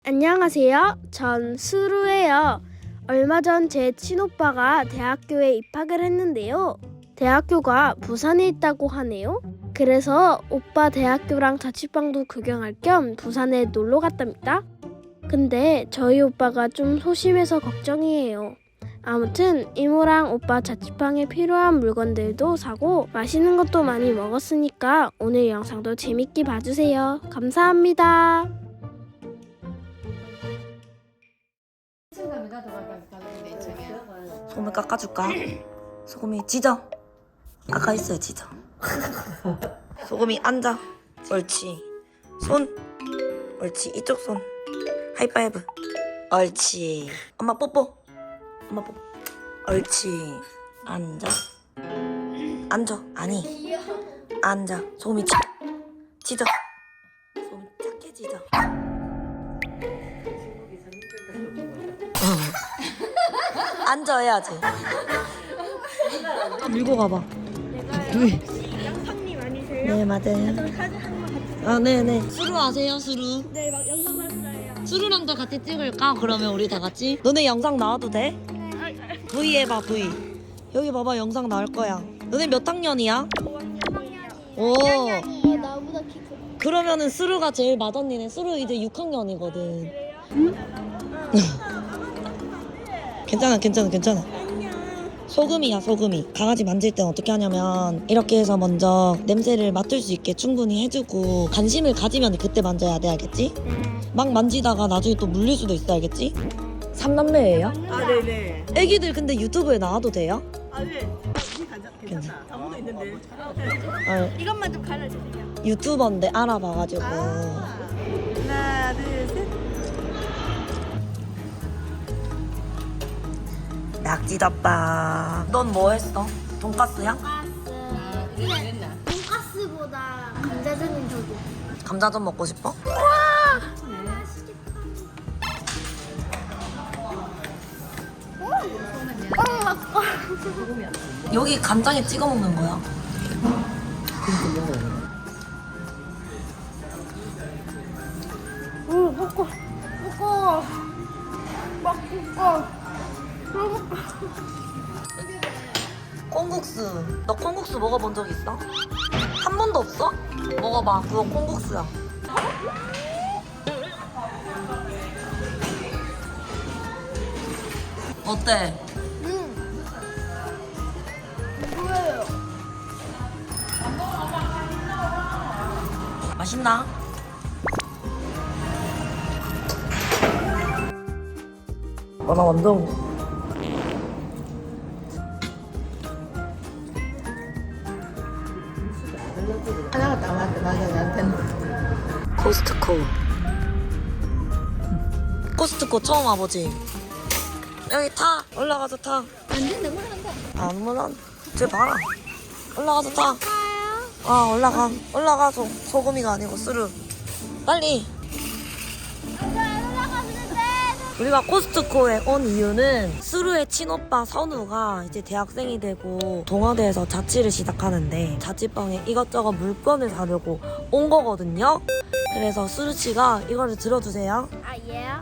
안녕하세요. 전 수루예요. 얼마 전 제 친오빠가 대학교에 입학을 했는데요. 대학교가 부산에 있다고 하네요. 그래서 오빠 대학교랑 자취방도 구경할 겸 부산에 놀러 갔답니다. 근데 저희 오빠가 좀 소심해서 걱정이에요. 아무튼 이모랑 오빠 자취방에 필요한 물건들도 사고 맛있는 것도 많이 먹었으니까 오늘 영상도 재밌게 봐주세요. 감사합니다. 소금을 깎아줄까? 소금이 짖어. 아까 있어요 짖어. 소금이 앉아. 옳지. 손. 옳지. 이쪽 손. 하이파이브. 옳지. 엄마 뽀뽀. 엄마 뽀뽀. 옳지. 앉아. 앉아. 아니. 앉아. 소금이 짖어. 소금이 작게 짖어. 앉아야지. 밀고 가봐. 양팡님 아니세요? 네 맞아요. 사진 한번 같이 아 네네. 수루 아세요 수루? 네, 막 영상 봤어요. 수루랑도 같이 찍을까? 그러면 우리 다 같이. 너네 영상 나와도 돼? V 해봐 V. 여기 봐봐 영상 나올 거야. 너네 몇 학년이야? 5학년이요. 오. 나보다 키 크. 그러면은 수루가 제일 맏언니네. 수루 이제 6학년이거든. 괜찮아 괜찮아 괜찮아. 소금이야 소금이. 강아지 만질 땐 어떻게 하냐면 이렇게 해서 먼저 냄새를 맡을 수 있게 충분히 해주고 관심을 가지면 그때 만져야 돼. 알겠지? 막 만지다가 나중에 또 물릴 수도 있어. 알겠지? 삼남매예요? 아 네네. 애기들 근데 유튜브에 나와도 돼요? 아 네. 괜찮다. 아무도 있는데. 아, 이것만 좀 가려주세요. 유튜버인데 알아봐가지고. 하나 둘 셋. 낙지덮밥. 넌 뭐 했어? 돈까스야? 돈가스보다 감자전이 더 좋아. 감자전 먹고 싶어? 여기 간장에 찍어 먹는 거야. 먹고 콩국수. 너 콩국수 먹어본 적 있어? 한 번도 없어? 먹어봐. 그거 콩국수야. 어때? 뭐예요? 맛있나? 나 완전 하나가 남았는데 나한테는. 코스트코. 코스트코 처음 와보지? 여기 타. 올라가서 타. 안 된다, 올라간다. 안 물론 쟤 봐라. 올라가서 타. 아 올라가. 올라가. 소금이가 아니고 스르. 빨리. 우리가 코스트코에 온 이유는 수루의 친오빠 선우가 이제 대학생이 되고 동아대에서 자취를 시작하는데 자취방에 이것저것 물건을 사려고 온 거거든요. 그래서 수루씨가 이거를 들어주세요. 아,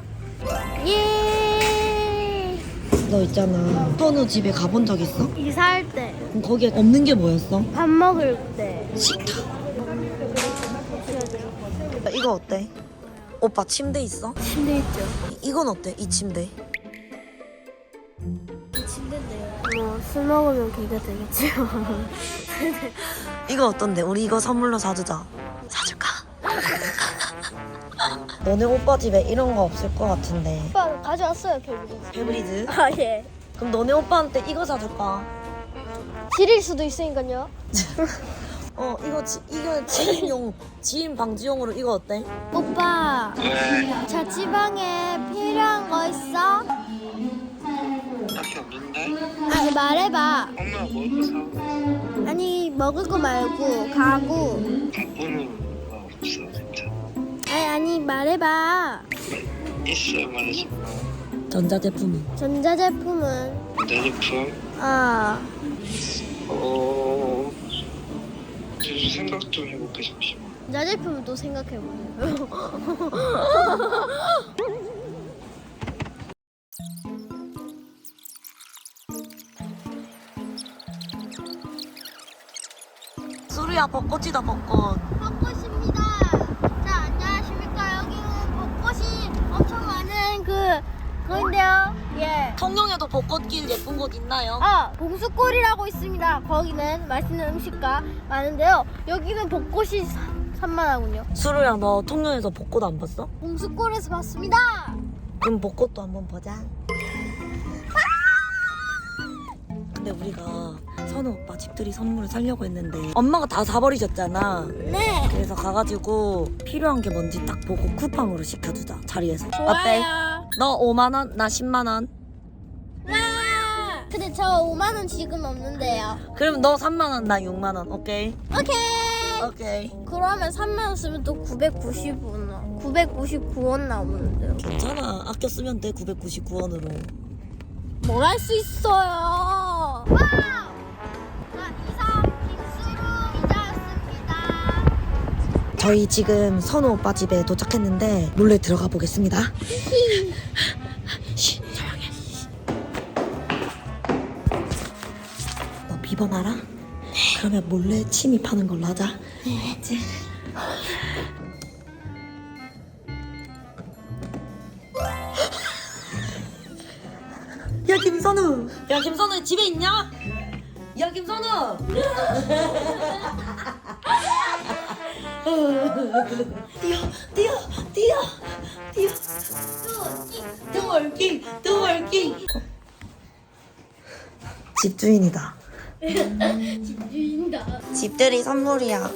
예. 너 있잖아 선우 집에 가본 적 있어? 이사할 때, 그럼 거기에 없는 게 뭐였어? 밥 먹을 때. 식탁. 이거 어때? 오빠 침대 있어? 침대 있죠? 이건 어때? 이 침대. 이 침대인데요. 뭐, 술 먹으면 걔가 되겠지요. 이거 어떤데? 우리 이거 선물로 사주자. 사줄까? 너네 오빠 집에 이런 거 없을 것 같은데. 오빠 가져왔어요, 결국에. 페브리즈? 아, 예. 그럼 너네 오빠한테 이거 사줄까? 지릴 수도 있으니까요. 이거 이거 지인 방지용으로 이거 어때? 오빠, 자취방에 필요한 거 있어? 딱히 없는데? 아니, 말해봐. 엄마가 뭐 사? 아니, 먹을 거 말고, 가구. 가구는 없어 진짜. 아니, 말해봐. 있어야 말하지. 전자제품이. 전자제품은? 전자제품? 아, 그래서 생각 좀 해볼게 잠시만. 전자제품도 생각해보세요. 수루야 벚꽃이다 벚꽃. 벚꽃입니다. 자, 안녕하십니까. 여기는 벚꽃이 엄청 많은 그거인데요. 예. 통영에도 벚꽃길 예쁜 곳 있나요? 봉수골이라고 있습니다. 거기는 맛있는 음식가 많은데요. 여기는 벚꽃이 산만하군요. 수루야 너 통영에서 벚꽃 안 봤어? 봉수골에서 봤습니다. 그럼 벚꽃도 한번 보자. 근데 우리가 선우 오빠 집들이 선물을 사려고 했는데 엄마가 다 사버리셨잖아. 네. 그래서 가가지고 필요한 게 뭔지 딱 보고 쿠팡으로 시켜주자. 자리에서. 어때? 좋아요. 너 5만 원, 나 10만 원. 와. 근데 저 5만 원 지금 없는데요. 그럼 너 3만 원, 나 6만 원. 오케이? 오케이. 오케이. 그러면 3만 원 쓰면 또 999원 나오는데요. 괜찮아. 아껴 쓰면 돼. 999원으로. 뭘 할 수 있어요. 와우. 자, 이상 빙수루 이자였습니다. 저희 지금 선우 오빠 집에 도착했는데 몰래 들어가 보겠습니다. 쉬, 조용해. 너 비번 알아? 네. 그러면 몰래 침입하는 걸로 하자. 네. 알았지? 야 김선우! 야 김선우 집에 있냐? 야 김선우! 뛰어 트월킹 집주인이다. 집주인다. 집들이 선물이야.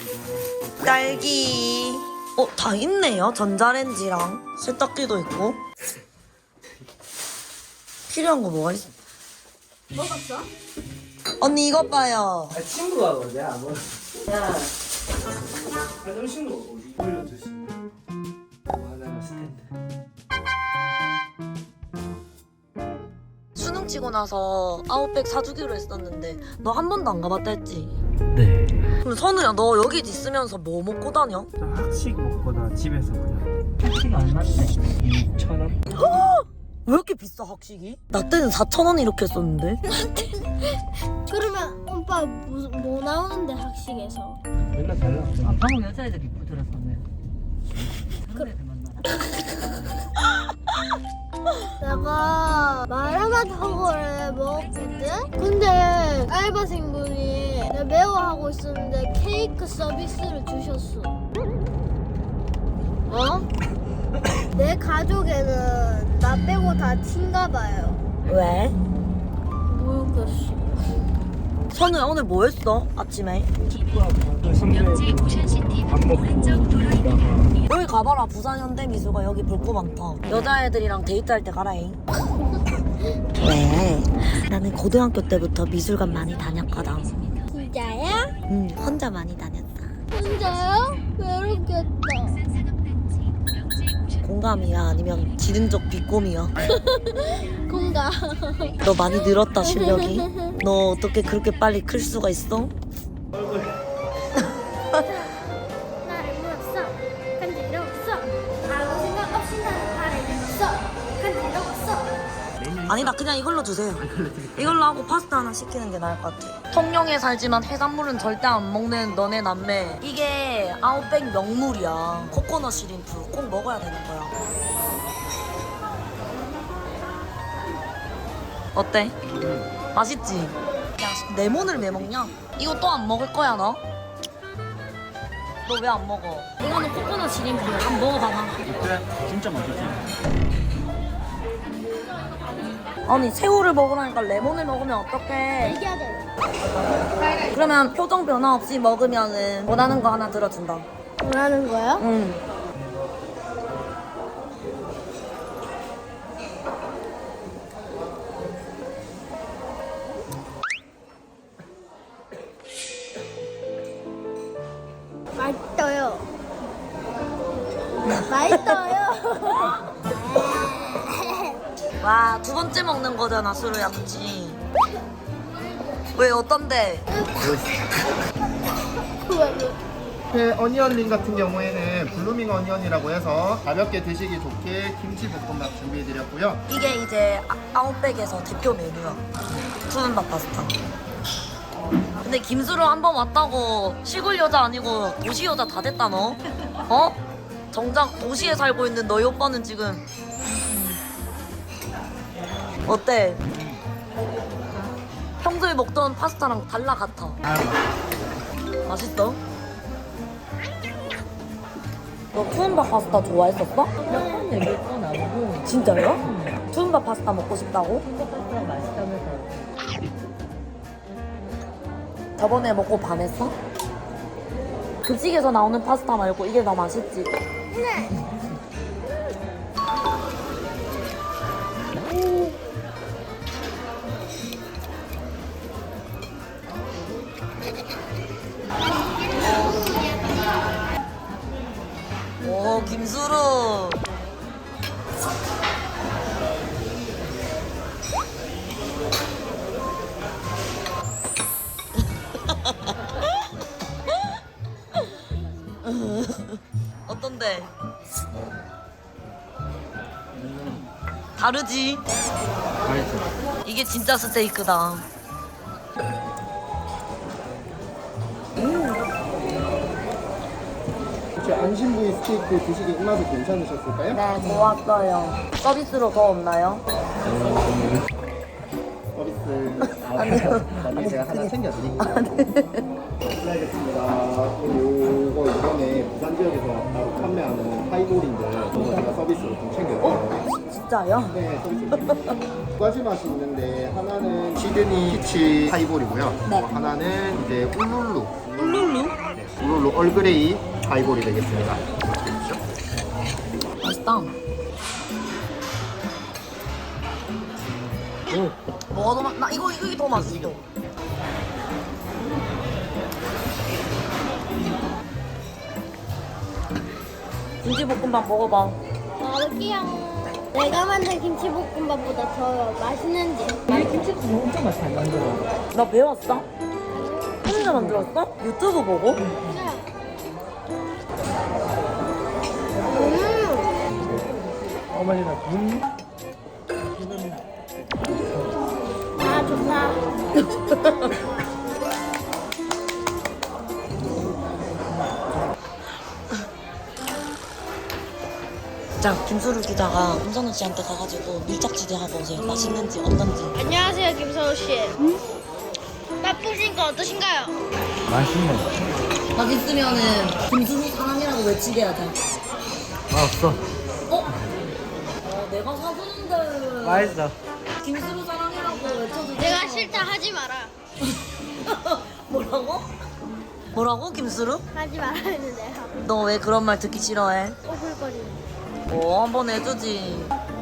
딸기. 다 있네요. 전자레인지랑 세탁기도 있고. 필요한 거 뭐가 있어? 먹었어? 언니 이것 봐요. 친구가 뭐지? 야. 좀 친구 어디 올려줄 수 있나? 하나가 스탠드. 수능 치고 나서 아웃백 사주기로 했었는데 너 한 번도 안 가봤다 했지? 네. 그럼 선우야 너 여기 있으면서 뭐 먹고 다녀? 학식 먹거나 집에서 그냥. 학식 얼마인데? 2,000원? 왜 이렇게 비싸 학식이? 나 때는 4,000원 이렇게 했었는데. 그러면 오빠 뭐 나오는데 학식에서? 맨날 달라. 방금 여자애들 입고 들었었네. 그런 애들 만나. 내가 마라맛하고를 먹었거든? 근데 알바생분이 내가 매워하고 있었는데 케이크 서비스를 주셨어. 어? 내 가족에는 나 빼고 다 친가 봐요. 왜? 모르겠어. 선우야 오늘 뭐 했어? 아침에? 명지 모션시티 밥 먹고 있다가 여기 가봐라. 부산 현대미술관 여기 볼 거 많다. 여자애들이랑 데이트할 때 가라잉. 왜? 나는 고등학교 때부터 미술관 많이 다녔거든. 진짜야? 응, 혼자 많이 다녔다. 진짜요? 외롭겠다. 공감이야? 아니면 지른적 비꼼이야? 공감. 너 많이 늘었다 실력이. 너 어떻게 그렇게 빨리 클 수가 있어? 나를 물었어. 간지러웠어. 아무 생각 없이 나는 발을 내었어. 간지러웠어. 아니다 그냥 이걸로 주세요. 이걸로 하고 파스타 하나 시키는 게 나을 것 같아. 통영에 살지만 해산물은 절대 안 먹는 너네 남매. 이게 아웃백 명물이야. 코코넛 시림프 꼭 먹어야 되는 거야. 어때? 맛있지? 야 레몬을 왜 먹냐? 이거 또 안 먹을 거야 너? 너 왜 안 먹어? 이거는 코코넛 시림프야. 한번 먹어봐봐. 그래? 진짜 맛있지? 아니 새우를 먹으라니까 레몬을 먹으면 어떡해. 얘기해야 돼. 그러면 표정 변화 없이 먹으면은 원하는 거 하나 들어준다. 뭐라는 거야? 응. 맛있어요. 맛있어요. 와, 두 번째 먹는 거잖아, 수루야, 그치? 왜, 어떤데? 왜? 옆에 어니언링 같은 경우에는 블루밍 어니언이라고 해서 가볍게 드시기 좋게 김치 볶음밥 준비해드렸고요. 이게 이제 아웃백에서 대표 메뉴야. 푸른밥 파스타. 근데 김수로 한번 왔다고 시골 여자 아니고 도시 여자 다 됐다 너? 어? 정작 도시에 살고 있는 너희 오빠는 지금 어때? 평소에 먹던 파스타랑 달라 같아. 맛있어? 너 푸른밥 파스타 좋아했었어? 몇번 얘기를 또 나오고 진짜요? 푸른밥 파스타 먹고 싶다고? 콩밥파스타 맛있다면서 저번에 먹고 반했어? 급식에서 나오는 파스타 말고 이게 더 맛있지? 오, 김수루. 어떤데? 다르지? 이게 진짜 스테이크다. 혹시 안심부위 스테이크 드시기 입맛이 괜찮으셨을까요? 네, 좋았어요. 서비스로 더 없나요? 서비스 나중에 제가 하나 챙겨드릴게요. 알겠습니다. 요거 이번에 부산 지역에서 바로 판매하는 하이볼인데 저거 제가 서비스로 좀 챙겨드릴게요. 진짜요? 네, 서비스 드릴게요. 두 가지 맛이 있는데 하나는 시드니 피치 하이볼이고요. 네. 하나는 이제 울룰루. 울룰루? 네, 울룰루 얼그레이 하이볼이 되겠습니다. 맛있다. 뭐가 더 맛? 나 이게 더 맛있어. 김치볶음밥 먹어봐. 먹을게요. 내가 만든 김치볶음밥보다 더 맛있는지. 이 김치도 엄청 맛 잘 만들어. 나 배웠어? 혼자 만들었어? 유튜브 보고? 어머니가 아, 좋다. 자, 김수루 기자가 김선우 씨한테 가가지고 밀착지대 하고 오세요. 맛있는지 어떤지. 안녕하세요, 김서우 씨. 맛보신 거 어떠신가요? 맛있네. 맛있으면은 김수루 사랑이라고 외치게 하자. 맛없어. 어? 내가 사주는데. 맛있어. 김수루 사랑이라고 외쳐도 내가 싫다 하지 마라. 뭐라고? 뭐라고 김수루? 하지 말아 했는데요. 너 왜 그런 말 듣기 싫어해? 오글거리는. 한번 해주지.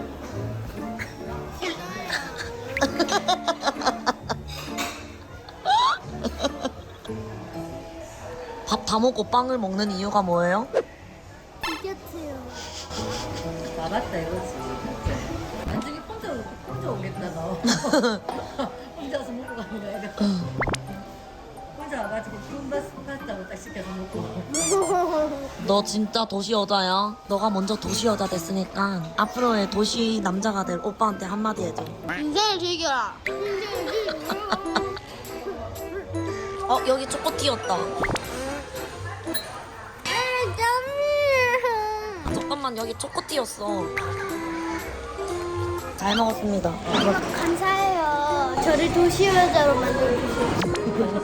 밥 다 먹고 빵을 먹는 이유가 뭐예요? 이겼어요. 나갔다 이거지. 나중에 혼자 오겠다 너. 혼자서 먹고 가는 거야. 이거. 혼자 와가지고 파스타고 딱 시켜서 먹고. 너 진짜 도시 여자야. 너가 먼저 도시 여자 됐으니까 앞으로의 도시 남자가 될 오빠한테 한마디 해줘. 인생을 즐겨라. 여기 초코티였다. 잠깐만, 여기 초코티였어. 잘 먹었습니다. 감사해요. 저를 도시 여자로 만들어주셔서.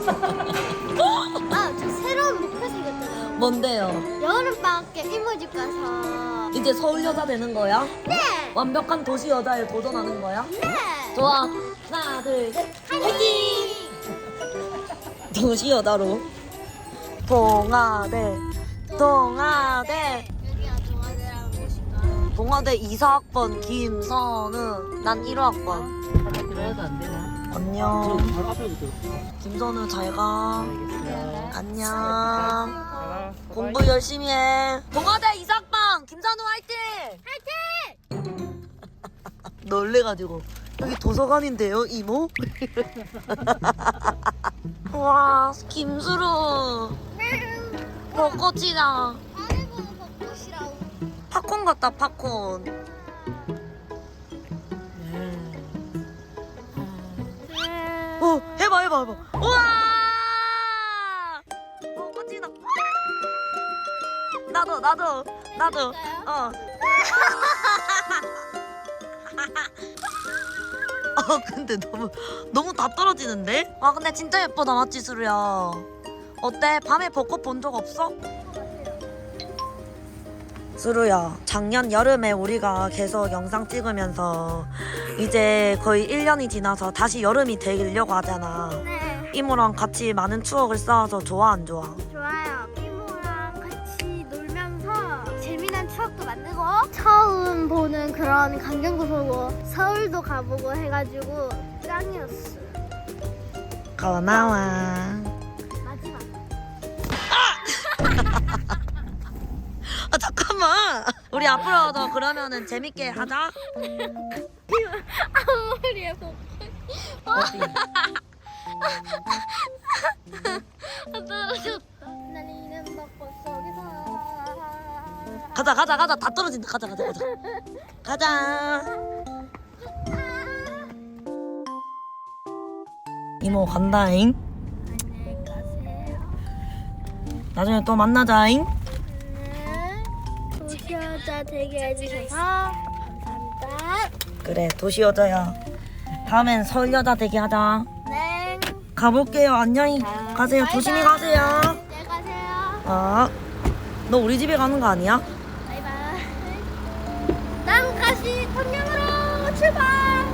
아, 저 새로운 목표 생겼잖아요. 뭔데요? 여름방학 때 이모집 가서. 이제 서울 여자 되는 거야? 네! 완벽한 도시 여자에 도전하는 거야? 네! 좋아. 하나, 둘, 셋. 화이팅! 도시 여자로. 동아대. 동아대. 여기가 동아대라는 곳인가? 동아대 2사학번 김선우. 난 1호학번. 들어야도 안 되나? 안녕. 바로 앞에부터. 김선우 잘 가. 알겠어요. 안녕. 공부 열심히 해. 동아대 2사학번 김선우 화이팅! 화이팅! 놀래가지고 여기 도서관인데요 이모? 와 김수루. 벚꽃이다. 안에 보는 벚꽃이라고. 팝콘 같다 팝콘. 오 해봐. 우와 벚꽃이다. 나도. 어. 근데 너무 다 떨어지는데? 아 근데 진짜 예쁘다 맞지 수루야? 어때? 밤에 벚꽃 본 적 없어? 수루야 작년 여름에 우리가 계속 영상 찍으면서 이제 거의 1년이 지나서 다시 여름이 되려고 하잖아. 네, 이모랑 같이 많은 추억을 쌓아서 좋아 안 좋아? 좋아요. 이모랑 같이 놀면서 재미난 추억도 만들고 처음 보는 그런 강경도 보고 서울도 가보고 해가지고 짱이었어. 고마워. 마지막. 아 잠깐만 우리 앞으로도 그러면은 재밌게 하자. 앞머리에 벚꽃. 떨어졌다. 날리는 벚꽃 속에서. 가자 다 떨어진다. 가자. 이모 간다잉. 안녕히 가세요. 나중에 또 만나자잉. 네. 도시여자 되게 해주셔서 감사합니다. 그래 도시여자야. 다음엔 서울여자 되게 하자. 네. 가볼게요. 안녕히 가세요. 조심히 가세요. 안녕히 가세요. 너 우리 집에 가는 거 아니야? 바이바이. 남가시 통영으로 출발.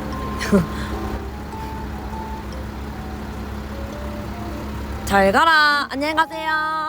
잘 가라. 안녕히 가세요.